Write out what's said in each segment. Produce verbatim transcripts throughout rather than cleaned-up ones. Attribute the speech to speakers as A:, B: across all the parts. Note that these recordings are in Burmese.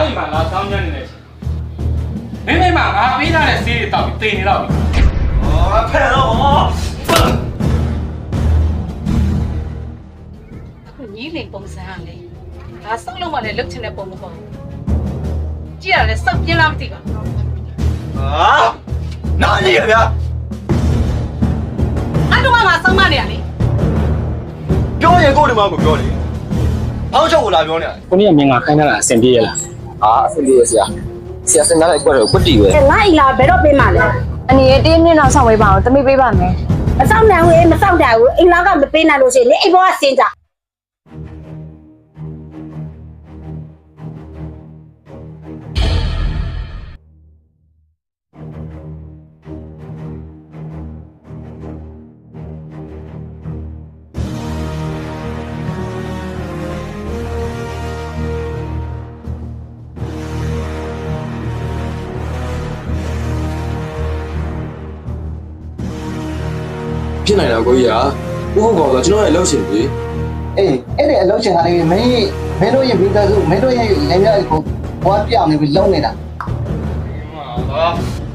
A: အိမ်မှာလာဆောင်ညံ့နေတယ်မင်းမိမငါပေးထားတဲ့ဆေးတွေတောက်ပြီးတင်နေတော့ပြီဟာဖဲတော့
B: ညီလေးပုံစံကလေဒါစောက်လုံးမလည်းလုတ်ချင်တဲ့ပုံမဟုတ်ဘူးကြည့်ရလဲစောက်ပြင်းလားမသိပါဘူး
C: ဟာနားကြီးရဗျာ
B: အဲ့တော့ငါစောက်မနေရလေ
C: ပြောရင်ကို့ဒီမှာကိုပြောလေအောက်ချုပ်ကိုလာပြောနေရတယ်
A: ကိုနေ့ကမင်းငါခိုင်းထားတာအဆင်ပြေရလား
C: ဟာအဆင်ပြေရဆရာဆရာစင်သားလိုက်ကွက်တော့ကွတ်တီပဲ
D: ငါ့အိလာဘယ်တော့ပေးမှလဲ
E: အနေနဲ့တင်းမြင့်တော့ဆောင်ပေးပါအောင်တမိပေးပါမယ်
D: မစောင့်နိုင်ဘူးမစောင့်တာဘူးအိမ်လာကမပေးနိုင်လို့ရှိရင်အိမ်ဘောကစင်းကြ
C: ဖြစ်နိုင်တာကိုကြီးကဥဟုတ်ကောင်ဆိုကျွန်တော်ရဲ့အလုပ်ရှင်ကြီး
F: အေးအဲ့ဒီအလုပ်ရှင်ကလည်းမင်းမင်းတို့ရဲ့မိသားစုမင်းတို့ရဲ့လမ်းများကိုဘွားပြောင်းနေပြီးလုံနေတာ
C: ဟာ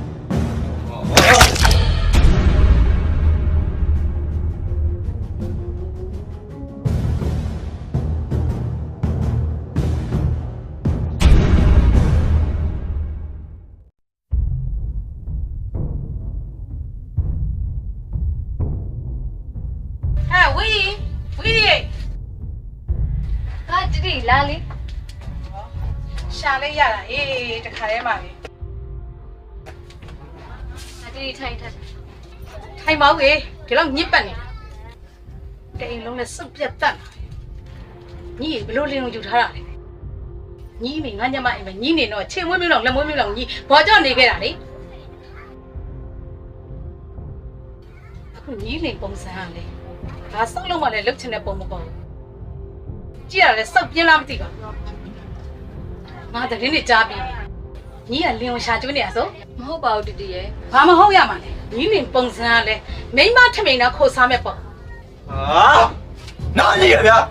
B: ဝီဝီ
E: ဟာတီတီလာလေ
B: ရှာလေးရတာအေးတခါတည်းမှာပဲ
E: ဟာတီတီထိုင်ထိုင်
B: ထိုင်ပါဦးလေဒီလောက်ညစ်ပတ်နေတာတအိမ်လုံးနဲ့စုပ်ပြတ်တတ်ညီဘလို့လင်းလုံးယူထားတာလေညီမိငါညမအိမ်မှာညီနေတော့ချင်းမွေးမွေးလောက်လက်မွေးမွေးလောက်ညီဘောကြောင့်နေခဲ့တာလေအခုညီလိန်ပုံစံကလေဒါစောက်လုံးမလည်းလုတ်ချင်တဲ့ပုံမဟုတ်ဘူးကြည့်ရလဲစောက်ပြင်းလားမသိပါဘူးငါတရင်နေကြားပြီးညီကလင်းကိုရှာကျွေးနေရဆို
E: မဟုတ်ပါဘူးတီတီရဲ့
B: ဘာမဟုတ်ရမှာလဲညီလိန်ပုံစံကလေမိမထမိန်တော့ခိုးစားမဲ့ပေါ့
C: ဟာနားကြီးရဗျာ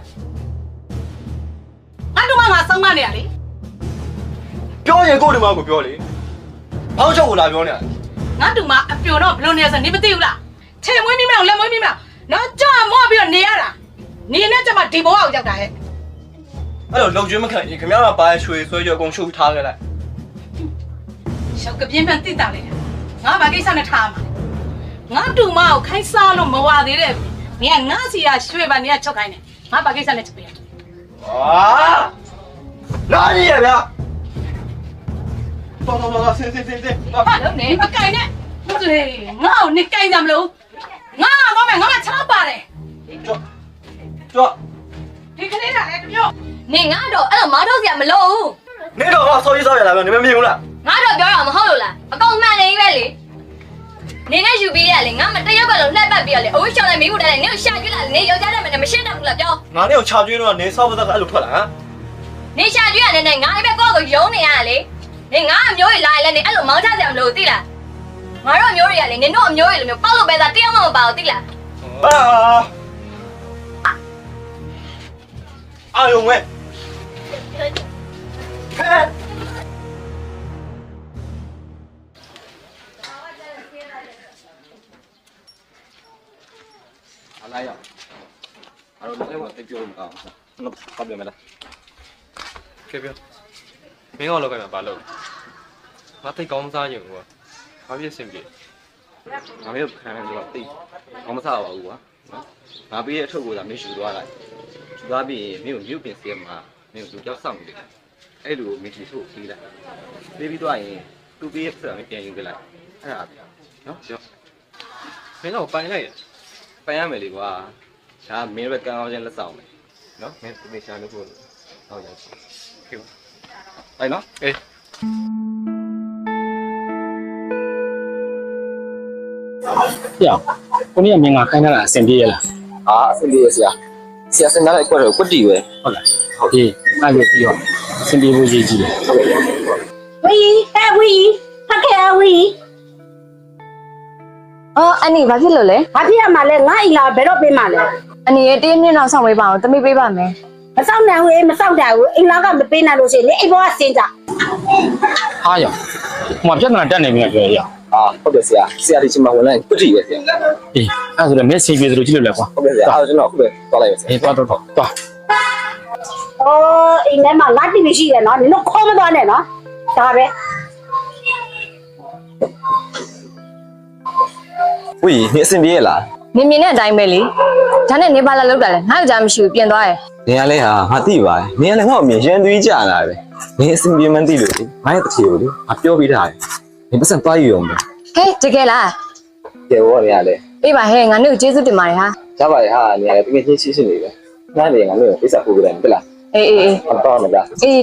B: ငါတို့မှငါစောင်းမနေရလေ
C: ပြောရင်ကို့ဒီမှာကိုပြောလေအောက်ချုပ်ကိုလာပြောနေရတယ်
B: ငါတို့မှအပြိုတော့ဘလို့နေရဆိုနေမသိဘူးလားချေမွေးမိမအောင်လက်မွေးမိမအောင်နော်ကြောက်မော့ပြီးတော့နေရတာနေနဲ့ကျမဒီဘဝကိုရောက်တာဟဲ့
C: အဲ့လိုလုံကျွေးမခံရင်ခင်ဗျားကပါရွှေဆွဲကြအကုန်ရှုပ်ထားခဲ့လိုက်
B: ရှောက်ကပြင်းပန်းတိတာလေငါဘာကိစ္စနဲ့ထားမှာငါတူမအောင်ခိုင်းစားလို့မဝသေးတဲ့နေကငါစီရရွှေပါနေကချုပ်ခိုင်းတယ်ငါဘာကိစ္စနဲ့ချုပ်ပြရဟာ
C: နားကြီးရဗျာတော်တော်တော်ဆင်းဆင်းဆင်းဆင်း
B: ဟာလုံးနေအကင်နဲ့ဟုတ်တယ်ငါ့ကိုနေကင်ကြမလို့ငါတော့မယ်ငါမှချောက်ပါတယ်
C: ကြော့ကြော့
B: ဒီကလေးကလည်းတမျိုး
E: နေငါတော့အဲ့လိုမောင်းထုတ်စရာမလိုဘူး
C: နေတော့ဆော်ရေးဆော်ရလာပဲနေမမြင်ဘူးလား
E: ငါတော့ပြောတာမဟုတ်လို့လားအကောင်မှန်နေပဲလေနေနဲ့ယူပြီးရလေငါမတရက်ပဲလို့လှက်ပတ်ပြီးရလေအဝိရှောင်းနဲ့မိဖို့တယ်နေကိုရှာကျွေးလာနေယောက်ျားတဲ့မနဲ့မရှင်းတော့ဘူးလားပြော
C: ငါနေကိုချာကျွေးတော့နေဆောက်ပသက်ကအဲ့လိုထွက်လာဟမ်
E: နေရှာကျွေးရနေငါလည်းပဲကိုယ့်ကိုယုံနေရလေနေငါအမျိုးကြီးလာလဲနေအဲ့လိုမောင်းချစရာမလိုသိလားငါတို့အမျိုးတွေကလေနင်တို့အမျိုးတွေလိုမျိုးပေါက်လို့ပဲသားတယောက်မှမပါဘူးသိလား
C: ဟာအာယုံဝဲဟဲ့အလာရအဲ့တော့လည်းမပြောဘူးအောင်နော်ဘာပြောမလဲကဲပြောမင်းကလောက်ကမှဘာလုပ်ငါတိတ်ကောင်းစားရင်ကွာဘာဖြစ်စင်ပြေငါမင်းခံရတော့တိတ်ကောင်းမစားပါဘူးကွာနော်ငါပေးတဲ့အထုပ်ကိုသာမင်းယူသွားလိုက်ယူသွားပြီးရင်မင်းကိုမြုပ်ပင်စေမှာမင်းကိုကြောက်ဆောင်နေတယ်အဲ့လိုမင်းတီထုတ်ပေးလိုက်ပေးပြီးသွားရင်သူ့ပေးရဲ့ဆက်မပြန်ယူကြလိုက်အဲ့ဒါနော်ပြောမင်းတော့ပိုင်လိုက်ရပိုင်ရမယ်လေကွာဒါမင်းပဲကံအောင်ချင်းလက်ဆောင်မယ်နော်မင်းတေချာလို့ဟုတ်ဟုတ်ရပြီခေပါအဲ့နော်အေး
A: ပြောကိုနေ့ကမင်းငါခိုင်းထားတာအဆင်ပြေရလား
C: ဟာအဆင်ပြေရဆရာဆရာစင်သားလိုက်ကွက်တော့ကွတ်တီပဲ
A: ဟုတ်လားဟုတ်ပြီအဲ့လိုပြီးတော့အဆင်ပြေဖို့ရည်ကြီးတယ်ဟုတ်ကဲ့
D: ဝီဟဲ့ဝီဖက်ခဲဝီ
E: အော်အန်နီဘာဖြစ်လို့လဲ
D: ဘာဖြစ်ရမှာလဲငါ့အိလာဘယ်တော့ပေးမှလဲ
E: အနေနဲ့တင်းမြင့်တော့ဆောင်ပေးပါအောင်တမိပေးပါမယ်
D: မစောင့်နိုင်ဘူးအေးမစောင့်တာဘူးအိမ်လောက်ကမပေးနိုင်လို့ရှိရင်လေအိမ်ဘောကစင်ကြ
A: အားရဟိုမှာပြဿနာတက်နေပြီလားပြောရအောင်
F: အာဟုတ်တယ်ဆရာဆရာဒီချိန်မှာဝင်လိုက်ပတိပဲဆရာ
A: အေးအဲ့ဆိုတော့မက်ဆေ့ချ်ပြေသလိုကြည့်လို့လဲကွာ
F: ဟုတ်ကဲ့ဆရာအားကျွန်တော်အခုပဲသွားလိုက်ပါဆရာ
A: အေးသွားတော့တော့သွား
D: အိုးအိမ်ထဲမှာငါတီဗီရှိတယ်နော်နင်တို့ခေါ်မသွားနဲ့နော်ဒါပဲ
G: ဝီနေအဆင်ပြေလား
E: နင်မြင်တဲ့အတိုင်းပဲလေဒါနဲ့နေပါလာလောက်တာလဲငါ့ကြောင်မရှိဘူးပြင်သွားရယ်
G: နေရလဲဟာငါသိပါတယ်နေရလဲငါ့အမြင်ရန်သွေးကြလာပဲနေအဆင်ပြေမှန်းသိလို့လေငါရဲ့တချေကိုလေငါပြောပြီးထားတယ်နေပတ်စံသွားယူအောင်ပဲ
E: ဟဲ့တကယ်လား
F: ကဲဘောနေရလဲ
E: အေးပါဟဲ့ငါတို့ကျေးဇူးတင်ပါတယ်ဟာ
F: ရပါတယ်ဟာနေရလဲတကယ်ချင်းချင်းချင်းနေပဲငါနေငါလို့ပိစာပို့ကြတယ်ပြလား
E: အေးအေးအေး
F: ဟုတ်တော့မလား
E: အေး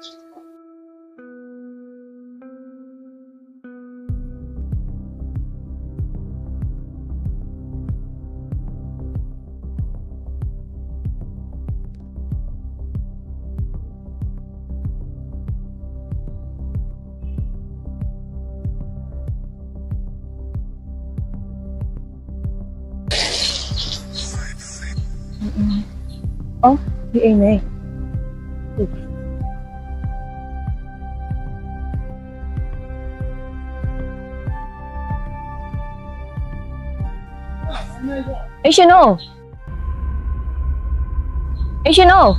E: အော်ဒီအိမ်မေးအေးရှင်နိုအေးရှင်နို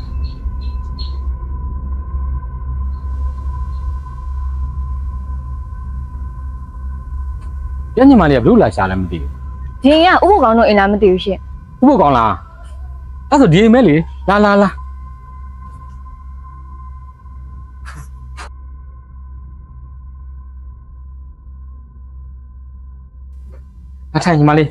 A: ညညီမလေးကဘလို့လာရှာလဲမသိဘူး
E: ဒီကဥပ္ပကောင်းတို့အိမ်လားမသိဘူးရှင်
A: ဥပ္ပကောင်းလားအဲ့ဆိုဒီအိမ်မဲလေလာလာလာအထိုင်ညီမလေး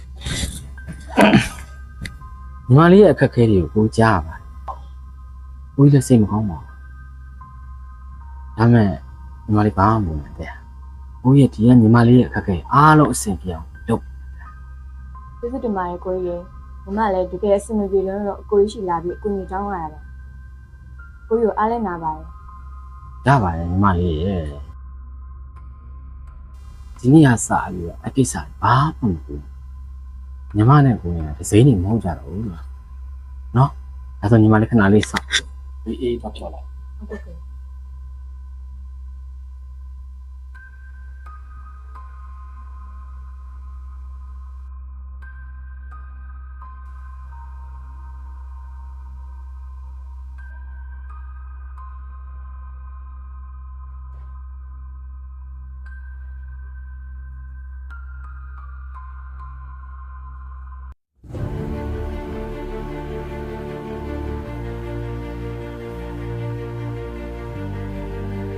A: ညီမလေးရဲ့အခက်အခဲတွေကိုကိုကြားပါဘူးကိုကြီးလည်းစိတ်မကောင်းပါဘူးဒါမဲ့ညီမလေးဘာမှမလုပ်နဲ့တဲ့ကိုရဲ့ဒီကညီမလေးရဲ့အခက်အခဲအားလုံးအဆင်ပြေအောင်လုပ်
E: ကျေးဇူးတင်ပါတယ်ကိုကြီးရေမမလည်းတကယ်အဆင်မပြေလို့တော့အကိုကြီးရှိလာပြီးအကူကြီးတောင်းလာရတယ်ကိုကြီးကိုအားလဲနာပါတယ်
A: ရပါတယ်ညီမလေးရဲ့ဒီနေ့ကစပြီးတော့အကိစ္စဘာမှမဟုတ်ဘူးညီမနဲ့ကိုရင်တစ်စိမ့်နေမဟုတ်ကြတော့ဘူးနော်ဒါဆိုညီမလေးခဏလေးစောင့်အေးအေးတော့ပြောလိုက်
E: ဟုတ်ကဲ့